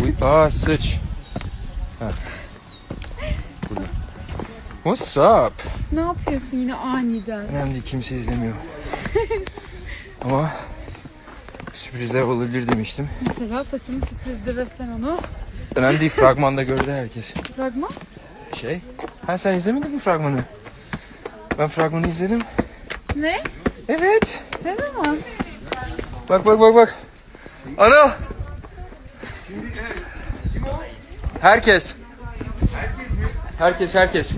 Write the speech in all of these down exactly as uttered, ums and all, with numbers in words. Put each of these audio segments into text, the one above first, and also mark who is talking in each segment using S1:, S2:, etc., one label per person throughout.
S1: Aa sıç. Ha. What's up?
S2: Ne yapıyorsun yine aniden?
S1: Önemli değil, kimse izlemiyor. Ama sürprizler olabilir demiştim.
S2: Mesela saçımı sürprizdi ve sen onu...
S1: Önemli değil, fragmanda gördü herkes.
S2: Fragman?
S1: Şey, ha sen izlemedin mi fragmanı? Ben fragmanı izledim.
S2: Ne?
S1: Evet.
S2: Ne zaman?
S1: Bak bak bak bak. Ana. Herkes. Herkes herkes.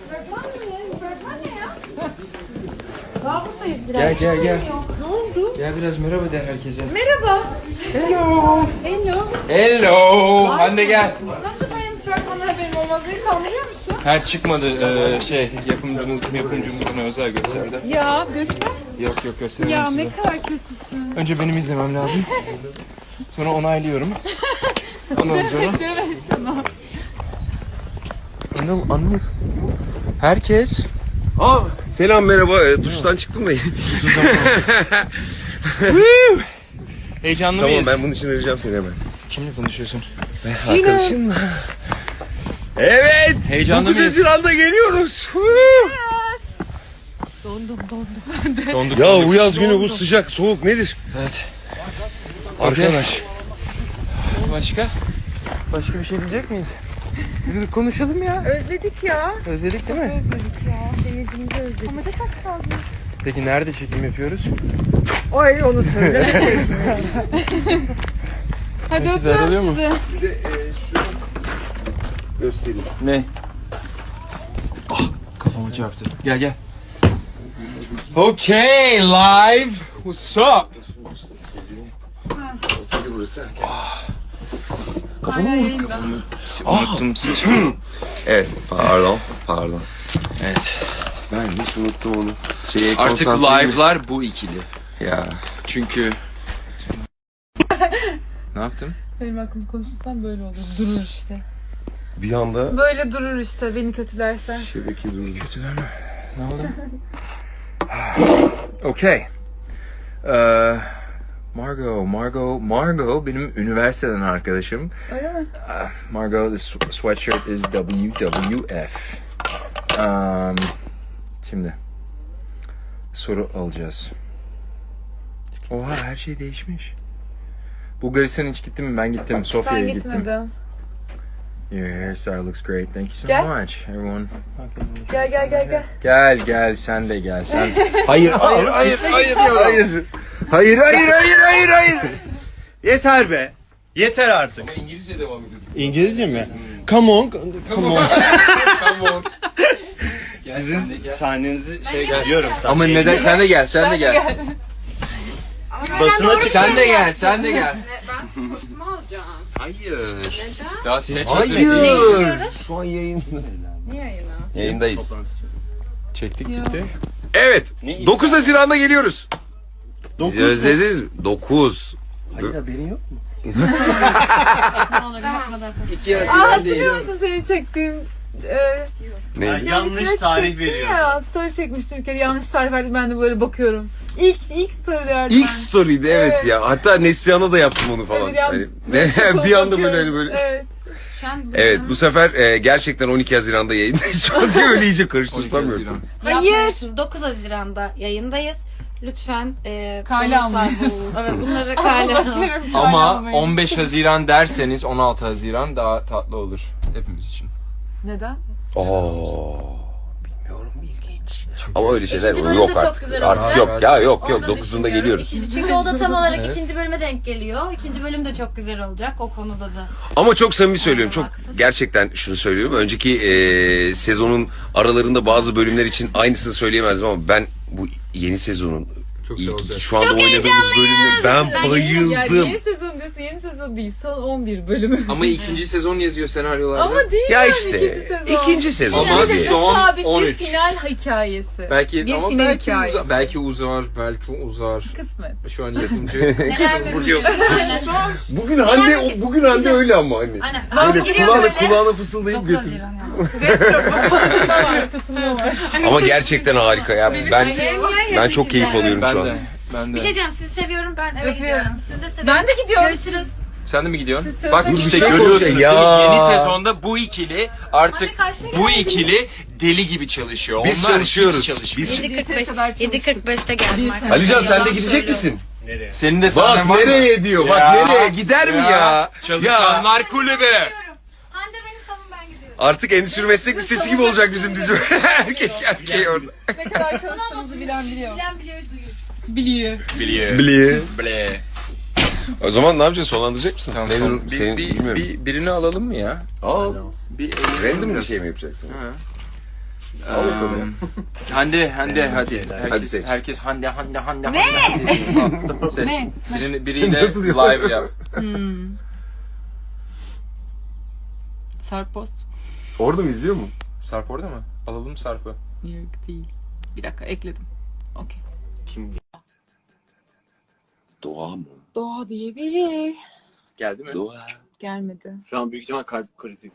S2: Daha buradayız biraz.
S1: Gel gel gel.
S2: Ne oldu?
S1: Gel biraz merhaba de herkese.
S2: Merhaba.
S1: Hello.
S2: Hello.
S1: Hello. Hande gel.
S2: Nasıl benim fragmandan haberim olmaz? Beni kandırıyor musun?
S1: Ha çıkmadı ee, şey yapımcımız yapımcımız bana özel gösterdi.
S2: Ya göster.
S1: Yok yok gösteremem
S2: Ya
S1: size.
S2: ne kadar kötüsün.
S1: Önce benim izlemem lazım. Sonra onaylıyorum. Ondan sonra.
S2: Deme şunu.
S1: Anıl Anıl. Herkes.
S3: Aa, selam merhaba. E, duştan çıktım da.
S1: Heyecanlı
S3: Tamam,
S1: mıyız?
S3: ben bunun için arayacağım seni hemen.
S1: Kimle konuşuyorsun?
S3: Arkadaşımla. Evet.
S1: Heyecanlı
S3: dokuz
S1: mıyız?
S3: Haziran'da geliyoruz.
S2: Dondum dondum.
S1: Donduk.
S3: Ya
S1: donduk.
S3: bu yaz günü bu sıcak soğuk nedir?
S1: Evet.
S3: Arkadaş.
S1: Başka? Başka bir şey diyecek miyiz? Yürü konuşalım ya.
S2: Özledik ya.
S1: Özledik değil mi?
S2: Özledik ya. Seyircimizi özledik. Ama tek az kaldı.
S1: Peki nerede çekim yapıyoruz?
S2: Ay onu söyle. Hadi
S1: Herkes
S2: öpüyorum
S1: ayrılıyor mu?
S2: sizi.
S3: Size e, şunu göstereyim.
S1: Ne? Ah kafama çarptı. Gel gel. Okay live. What's up?
S3: Burası.
S2: Hala yayında.
S1: Unuttum siz.
S3: Evet, pardon, pardon.
S1: Evet.
S3: Ben hiç unuttum onu. Şeye
S1: Artık
S3: konsantreyim.
S1: live'lar bu ikili.
S3: Ya.
S1: Çünkü... Ne yaptım?
S2: Benim aklım konuşursam böyle olur. Durur işte.
S3: Bir anda
S2: Böyle durur işte beni kötülersen.
S3: şebeke durdu.
S1: Kötüler mi? Ne oldu? Okay. Ee, Margot, Margot, Margot benim üniversiteden arkadaşım.
S2: Öyle mi?
S1: Uh, Margot, this sweatshirt is W W F. Um, şimdi soru alacağız. Oha her şey değişmiş. Bulgaristan hiç gittin mi? Ben gittim.
S2: Ben
S1: Sofya'ya gittim.
S2: gitmedim.
S1: Your hairstyle looks great. Thank you so
S2: Gel.
S1: much, everyone.
S2: Gel gel gel gel.
S1: Gel gel sen de gel sen. Hayır hayır hayır hayır hayır. Hayır hayır hayır hayır hayır.
S4: Yeter be. Yeter artık.
S1: İngilizce devam ediyor.
S4: İngilizce mi? Come on. Come on.
S1: Come on.
S4: Sizin sahnenizi şey biliyorum.
S1: Ama neden sen de gel sen de gel.
S4: Basına çık.
S1: Sen de gel sen de gel.
S5: Ben kostümü alacağım.
S1: Hayır.
S5: Neden?
S1: Daha set
S3: Hayır. Şu an yayında.
S5: Niye yayına?
S3: Yayındayız.
S1: Çektik gitti.
S3: Evet.
S4: Ne
S3: dokuz Haziran'da geliyoruz.
S4: Dokuz
S3: Bizi
S4: mu?
S3: özlediniz mi? dokuz.
S4: Hayır haberin yok mu?
S1: İki
S2: Aa,
S1: Haziran
S2: hatırlıyor musun seni çektiğim? E,
S3: Ne?
S4: Yanlış tarih veriyor.
S2: ya story çekmiştim bir kere yanlış tarih verdim ben de böyle bakıyorum. İlk ilk storylerden.
S3: İlk story'di evet,
S2: Evet.
S3: ya. Hatta Neslihan'a da yaptım onu falan.
S2: Evet, ya-
S3: Hani, ne, bir anda böyle hani böyle.
S2: Evet.
S3: Evet, bu sefer e, gerçekten on iki Haziran'da yayındayız. Şu an diye öyle iyice karıştırsam.
S2: Hayır.
S6: dokuz Haziran'da yayındayız. Lütfen e,
S2: Kale
S6: konu sahibi
S2: almayız.
S6: olun. Evet bunları kale alın.
S1: Ama on beş Haziran derseniz on altı Haziran daha tatlı olur hepimiz için.
S2: Neden?
S3: Oo. Bilmiyorum, ilginç. Ama öyle şeyler
S6: İkinci bölüm
S3: yok
S6: de çok
S3: artık.
S6: güzel
S3: Artık
S6: olacak.
S3: yok ya, yok
S6: Onu
S3: yok.
S6: da
S3: dokuzunda
S6: düşünüyorum.
S3: geliyoruz.
S6: İkinci- Çünkü o da tam olarak
S1: Evet.
S6: ikinci bölüme denk geliyor. İkinci bölüm de çok güzel olacak o konuda da.
S3: Ama çok samimi söylüyorum. Çok
S6: Haklısın.
S3: gerçekten şunu söylüyorum. Önceki e, sezonun aralarında bazı bölümler için aynısını söyleyemezdim ama ben bu yeni sezonun
S1: Çok güzel
S3: ilk
S1: olacak.
S3: iki, şu anda oynadığımız bölümde ben
S2: Yani
S3: bayıldım.
S2: yeni sezon diyorsun yeni sezon değil son on bir bölümü.
S1: Ama ikinci sezon yazıyor senaryolarda.
S2: Ama değil
S3: Ya
S2: yani
S3: işte
S2: ikinci sezon.
S3: ikinci sezon.
S1: Ama
S3: abi.
S2: Bir de
S1: son
S2: sabit
S1: on
S2: bir
S1: üç.
S2: final hikayesi.
S1: Belki
S2: bir
S1: ama
S2: final
S1: belki
S2: hikayesi.
S1: uzar, belki uzar, belki uzar.
S2: Kısmet.
S1: Şu an yazımcı.
S6: Neler
S1: Vuruyorsun.
S3: Bugün Hande o- bugün Hande öyle ama hani.
S6: Aynen.
S3: Böyle
S6: Giriyor
S3: kulağına
S6: böyle.
S3: kulağına fısıldayıp
S6: dokuz
S3: götür.
S6: Haziran yani.
S2: Tutulma var tutulma var.
S3: Ama gerçekten harika ya. Ben ben çok keyif alıyorum
S1: Ben
S3: şu
S1: de.
S3: an.
S1: Ben de.
S6: Bir şey diyeceğim sizi seviyorum ben eve
S2: Öpüyorum.
S6: gidiyorum. Siz de seviyorum.
S2: Ben de gidiyorum.
S6: Görüşürüz.
S1: Sen de mi gidiyorsun?
S2: Siz
S1: Bak
S2: çalışın.
S1: işte
S3: Bir şey
S1: görüyorsunuz
S3: konuşalım.
S1: değil mi?
S3: Ya.
S1: Yeni sezonda bu ikili artık
S6: Anne kaçta
S1: bu
S6: geldin?
S1: ikili deli gibi çalışıyor.
S3: Biz
S1: Onlar
S3: çalışıyoruz.
S1: hiç çalışmıyor.
S3: Biz...
S6: yedi kırk beş
S2: kadar çalıştık.
S6: yedi kırk beşte geldim arkadaşlar.
S3: Alican sen de
S6: Yalan
S3: gidecek
S6: söylüyorum.
S3: misin?
S4: Nereye?
S1: Senin de
S3: Bak
S1: sahnen var mı?
S3: nereye diyor. Bak
S1: Ya.
S3: nereye gider mi ya?
S1: Çalışanlar kulübü.
S6: Hande beni savun ben gidiyorum.
S3: Artık endüstri meslek lisesi gibi olacak bizim dizi. Erkek erkeği orada.
S2: Ne kadar çalıştığımızı bilen biliyor.
S6: Bilen biliyor duyuyor.
S2: Biliyor.
S1: Biliyor.
S3: Bliye.
S1: Ble.
S3: O zaman ne yapacağız? Sonlandıracak mısın?
S1: Tamam,
S3: Ne
S1: son-
S3: durum-
S1: bir,
S3: senin
S1: bir,
S3: bilmiyorum.
S1: bir, birini alalım mı ya?
S3: Al.
S1: Bir
S3: Random bir şey mi yapacaksın?
S1: Ha. Um, Hande, Hande hadi. Herkes,
S3: Hadi seç.
S1: herkes Hande, Hande, Hande. Ne? Hande. Al, seç.
S2: Ne?
S1: Birini, biriyle
S3: Nasıl yapıyor?
S1: live yap.
S2: Hmm. Sarpost.
S3: Orada mı izliyor mu?
S1: Sarp orada mı? Alalım Sarp'ı.
S2: Yok değil. Bir dakika ekledim. Okey.
S3: Doğa mı?
S2: Doğa diye biri.
S1: Geldi mi?
S3: Doğa.
S2: Gelmedi.
S4: Şu an büyük ihtimal kalp kritik.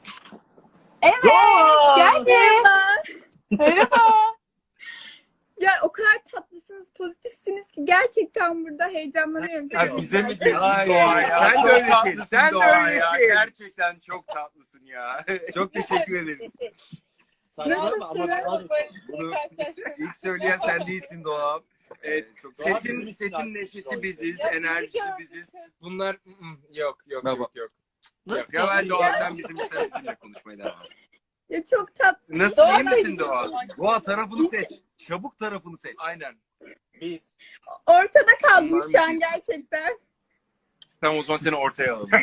S2: Geldi. Merhaba.
S7: Ya o kadar tatlısınız, pozitifsiniz ki gerçekten burada heyecanlanıyorum.
S1: Ya bize mi
S7: gerçekten.
S1: diyorsun
S4: Hayır,
S1: Doğa ya?
S4: sen de
S1: Çok
S4: öylesin,
S1: tatlısın
S4: sen de
S1: Doğa ya.
S4: öylesin.
S1: Gerçekten çok tatlısın ya.
S4: Çok teşekkür ederiz.
S7: Nasılsınız?
S4: Bunu ilk söyleyen sen değilsin Doğa.
S1: Evet,
S4: Setin-
S1: setin, setin neşesi biziz, enerjisi biziz. Bunlar ı-ı, yok yok
S3: Baba.
S1: yok yok. Yok ya ben Doğa sen bizim sen bizimle konuşmaya devam et.
S7: Ya çok tatlı.
S1: Nasıl
S7: Doğa
S1: iyi misin Doğa?
S4: Doğa tarafını seç. Çabuk tarafını seç.
S1: Aynen.
S4: Biz.
S7: Ortada kaldım
S1: Bunlar
S7: şu an
S1: mı?
S7: gerçekten.
S1: Tamam o zaman seni ortaya alalım.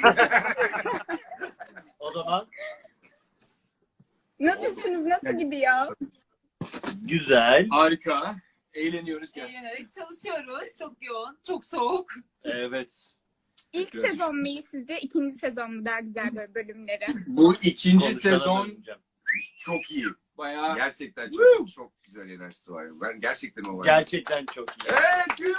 S4: O zaman
S7: Nasılsınız? Nasıl gidiyor?
S4: güzel.
S1: Harika. Eğleniyoruz gel.
S2: Eğlenerek çalışıyoruz. Çok yoğun. Çok soğuk.
S4: Evet.
S7: İlk sezon mu iyi sizce? İkinci sezon mu daha güzel böyle bölümleri?
S1: Bu ikinci
S4: Konuşana
S1: sezon
S4: döneceğim.
S3: Çok iyi.
S1: bayağı
S3: Gerçekten çok çok güzel enerjisi var. Ben gerçekten o var.
S4: Gerçekten çok iyi.
S3: Evet,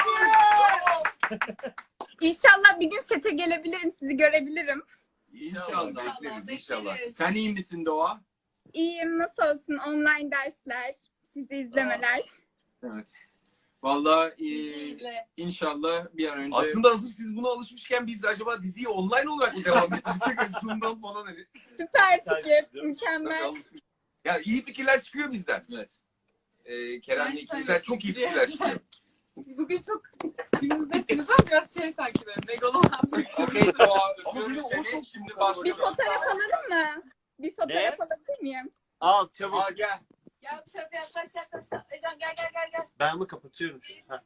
S7: İnşallah bir gün sete gelebilirim, sizi görebilirim.
S3: İnşallah.
S1: İnşallah.
S3: Bekleriz inşallah.
S1: Sen iyi misin Doğa?
S7: İyiyim, nasıl olsun? Online dersler, sizi izlemeler.
S1: Evet. Vallahi e,
S2: İzle.
S1: inşallah bir an önce
S3: Aslında hazır siz buna alışmışken biz acaba diziyi online olarak mı devam ettirsek? Hani Zoom'dan falan hani.
S7: Süper
S4: Güzel,
S7: fikir,
S4: değil mi?
S7: mükemmel.
S3: Alışmış. Ya iyi fikirler çıkıyor bizden.
S1: evet.
S3: Ee, Kerem'le
S2: Sen
S3: ikimizden çok iyi
S2: diye.
S3: fikirler çıkıyor.
S2: Siz bugün çok günümüzdesiniz ama biraz şey sanki böyle megaloman.
S1: Okey Doğa
S3: Ama
S1: öpüyoruz
S3: benim o
S1: seni.
S3: çok
S1: Şimdi
S7: Bir
S1: başlıyoruz.
S7: fotoğraf alalım mı? Bir fotoğraf alabilir miyim?
S4: Al çabuk.
S1: Aa, gel.
S2: Ya bu tarafa yaklaş yaklaş. Ecan gel gel gel gel.
S4: Ben mi kapatıyorum? Ha.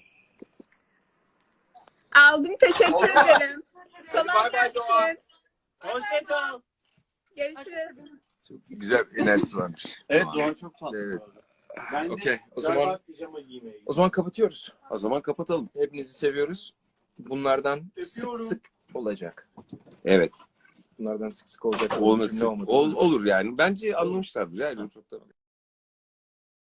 S7: Aldım, teşekkür ederim. Kolay
S1: Bay bay Doğa.
S7: gelsin.
S4: Hoşça kal.
S7: Görüşürüz.
S3: Çok güzel enerjisi varmış.
S4: Evet Doğan çok tatlı.
S3: Evet.
S4: bu arada. Ben de
S1: Okey. O
S4: galiba
S1: zaman
S4: pijama giymeye
S1: o zaman kapatıyoruz.
S3: O zaman kapatalım.
S1: Hepinizi seviyoruz. Bunlardan sık
S4: Öpüyorum.
S1: sık olacak.
S3: Evet.
S1: Bunlardan sık sık olacak.
S3: Olması
S1: Cümle olmadı.
S3: ol, olur yani. Bence anlamışlardır yani çok da.